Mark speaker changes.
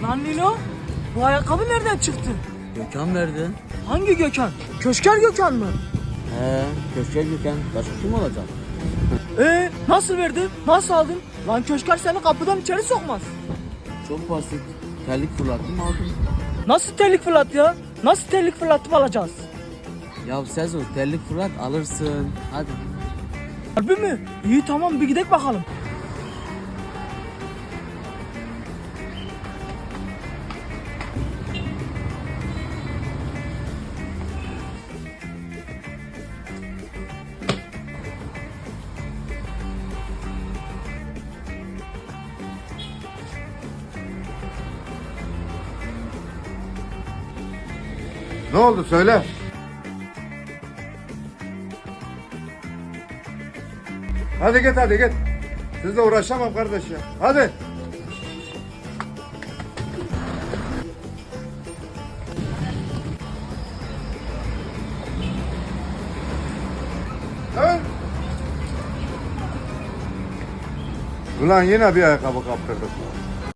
Speaker 1: Lan Nilo, bu ayakkabı nereden çıktı?
Speaker 2: Gökhan verdi.
Speaker 1: Hangi Gökhan? Köşker Gökhan mı?
Speaker 2: Köşke Gökhan. Başka kim olacak?
Speaker 1: Nasıl verdi? Nasıl aldın? Lan Köşker seni kapıdan içeri sokmaz.
Speaker 2: Çok basit. Terlik fırlattım aldım.
Speaker 1: Nasıl terlik fırlat ya? Nasıl terlik fırlatıp alacağız?
Speaker 2: Ya Sezo terlik fırlat alırsın. Hadi.
Speaker 1: Harbi mi? İyi tamam bir gidelim bakalım.
Speaker 3: Ne oldu söyle. Hadi git hadi git. Sizle uğraşamam kardeş ya. Hadi. Evet. Ulan yine bir ayakkabı kaptırdık.